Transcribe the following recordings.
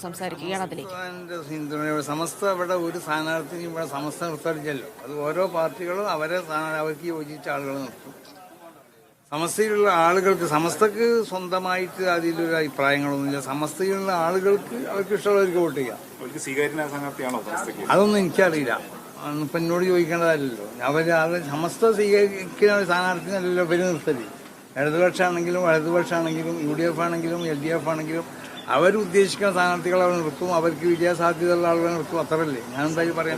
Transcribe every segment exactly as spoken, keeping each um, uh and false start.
സംസാരിക്കുകയാണ്. അതിലേക്ക് പിന്തുണയോടെ സമസ്ത ഇവിടെ ഒരു സ്ഥാനാർത്ഥിയും ഇവിടെ സമസ്ത നിർത്തടിച്ചല്ലോ. അത് ഓരോ പാർട്ടികളും അവരെ അവർക്ക് യോജിച്ച ആളുകൾ നിർത്തും. സമസ്തയിലുള്ള ആളുകൾക്ക് സമസ്തക്ക് സ്വന്തമായിട്ട് അതിലൊരു അഭിപ്രായങ്ങളൊന്നുമില്ല. സമസ്തയിലുള്ള ആളുകൾക്ക് അവർക്ക് ഇഷ്ടമുള്ളവർക്ക് വോട്ട് ചെയ്യാം. അതൊന്നും എനിക്കറിയില്ല. ഇപ്പം എന്നോട് ചോദിക്കേണ്ടതല്ലോ. അവർ അത് സമസ്ത സ്വീകരിക്കുന്ന സ്ഥാനാർത്ഥിനല്ലല്ലോ പേര് നിർത്തല്. ഇടതുപക്ഷമാണെങ്കിലും വലതുപക്ഷമാണെങ്കിലും യു ഡി എഫ് ആണെങ്കിലും എൽ ഡി എഫ് ആണെങ്കിലും അവരുദ്ദേശിക്കുന്ന സ്ഥാനാർത്ഥികൾ അവർ നിർത്തും. അവർക്ക് വിജയസാധ്യതയുള്ള ആളുകൾ നിർത്തും. അത്രല്ലേ ഞാൻ എന്തായാലും പറയാം.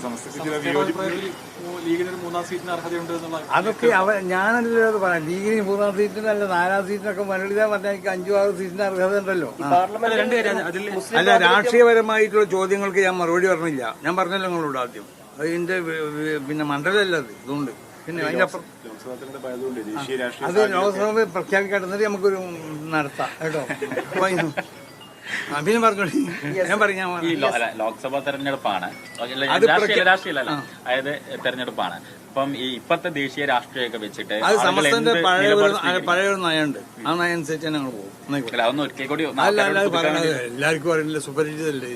അതൊക്കെ അവർ ഞാനല്ലോ അത് പറയാം. ലീഗിന് മൂന്നാം സീറ്റിനല്ല നാലാം സീറ്റിനൊക്കെ മുരളിത പറഞ്ഞാൽ എനിക്ക് അഞ്ചു ആറ് സീറ്റിന് അർഹത ഉണ്ടല്ലോ. അല്ല, രാഷ്ട്രീയപരമായിട്ടുള്ള ചോദ്യങ്ങൾക്ക് ഞാൻ മറുപടി പറഞ്ഞില്ല. ഞാൻ പറഞ്ഞല്ലോ നിങ്ങളോട് ആദ്യം. അതിന്റെ പിന്നെ മണ്ഡലമല്ല അത്. ഇതുകൊണ്ട് പിന്നെ അതിനപ്പുറം അത് ലോക്സഭ പ്രഖ്യാപിക്കാട്ടുന്നത് നമുക്കൊരു നടത്താം കേട്ടോ. അഭിനയം പറഞ്ഞോളി. ഞാൻ പറയാം. ലോക്സഭാ തെരഞ്ഞെടുപ്പാണ്, രാഷ്ട്രീയമല്ല, അതായത് തെരഞ്ഞെടുപ്പാണ്. അപ്പം ഈ ഇപ്പത്തെ ദേശീയ രാഷ്ട്രീയമൊക്കെ വെച്ചിട്ട് അത് സമസ്തന്റെ പഴയ പഴയ ഒരു നയമുണ്ട്. ആ നയം അനുസരിച്ച് ഞങ്ങൾ പോകും. അതൊന്നും ഒരിക്കൽ കൂടി അല്ല അല്ല പറയണത് എല്ലാവർക്കും അറിയില്ല. സുപരിചിതല്ലേ.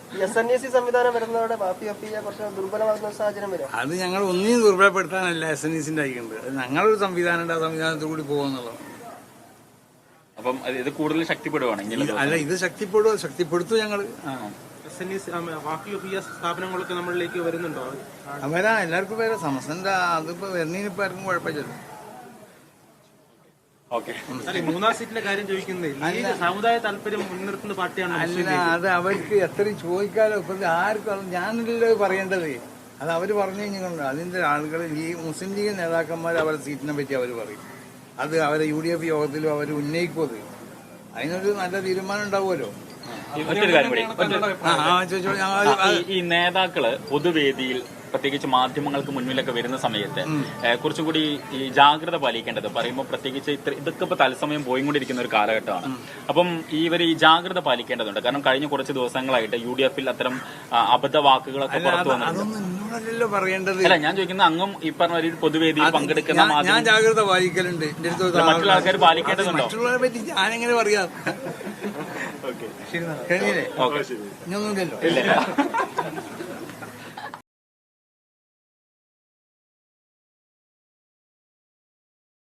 അത് ഞങ്ങൾ ഒന്നിനും ദുർബലപ്പെടുത്താനല്ല എസ് എൻ ഇ സിന്റെ അയക്കുന്നത്. ഞങ്ങളൊരു സംവിധാനം ആ സംവിധാനത്തിൽ കൂടി പോകുന്നുള്ളതാണ്. അപ്പം ഇത് കൂടുതൽ ശക്തിപ്പെടുവാണെങ്കിൽ അല്ല, ഇത് ശക്തിപ്പെടുക ശക്തിപ്പെടുത്തും ഞങ്ങൾ. സ്ഥാപനങ്ങളൊക്കെ നമ്മളിലേക്ക് വരുന്നുണ്ടോ? വരാ, എല്ലാവർക്കും വരാം. സമസ്തന്റെ അതിപ്പോ വരുന്നതിനിപ്പോ ആർക്കും കുഴപ്പമില്ല. മൂന്നാം സീറ്റിന്റെ കാര്യം ചോദിക്കുന്നത് സമുദായ താല്പര്യം മുൻനിർത്തുന്ന പാർട്ടിയാണ്. അല്ല, അത് അവർക്ക് എത്രയും ചോദിക്കാലോ. ഇപ്പൊ ആർക്കും ഞാനല്ലോ പറയേണ്ടത്. അത് അവര് പറഞ്ഞു കഴിഞ്ഞിട്ടുണ്ട്. അതിന്റെ ആളുകൾ ഈ മുസ്ലിം ലീഗ് നേതാക്കന്മാർ അവരുടെ സീറ്റിനെ പറ്റി അവർ പറയും. അത് അവരെ യു ഡി എഫ് യോഗത്തിലും അവർ ഉന്നയിക്കും. അത് അതിനൊരു നല്ല തീരുമാനം ഉണ്ടാവുമല്ലോ. ഈ നേതാക്കള് പൊതുവേദിയിൽ പ്രത്യേകിച്ച് മാധ്യമങ്ങൾക്ക് മുന്നിലൊക്കെ വരുന്ന സമയത്ത് കുറച്ചും കൂടി ഈ ജാഗ്രത പാലിക്കേണ്ടത് പറയുമ്പോൾ പ്രത്യേകിച്ച് ഇത്ര ഇതൊക്കെ ഇപ്പൊ തത്സമയം പോയിക്കൊണ്ടിരിക്കുന്ന ഒരു കാലഘട്ടമാണ്. അപ്പം ഇവർ ഈ ജാഗ്രത പാലിക്കേണ്ടതുണ്ട്. കാരണം കഴിഞ്ഞ കുറച്ച് ദിവസങ്ങളായിട്ട് യു ഡി എഫിൽ അത്തരം അബദ്ധ വാക്കുകളൊക്കെ പുറത്തു വന്നിട്ടുണ്ട്. പറയേണ്ടത് അല്ല, ഞാൻ ചോദിക്കുന്ന അങ്ങും ഈ പറഞ്ഞ ഒരു പൊതുവേദിയിൽ പങ്കെടുക്കുന്ന ഞാൻ ജാഗ്രത പാലിക്കലുണ്ട്. മറ്റുള്ള ആൾക്കാർ പാലിക്കേണ്ടതുണ്ടോ? മറ്റുള്ളവരെ പറ്റി ഞാനെങ്ങനെ പറയാം? കഴിഞ്ഞില്ലേ? ഇനിയൊന്നുമില്ലല്ലോ.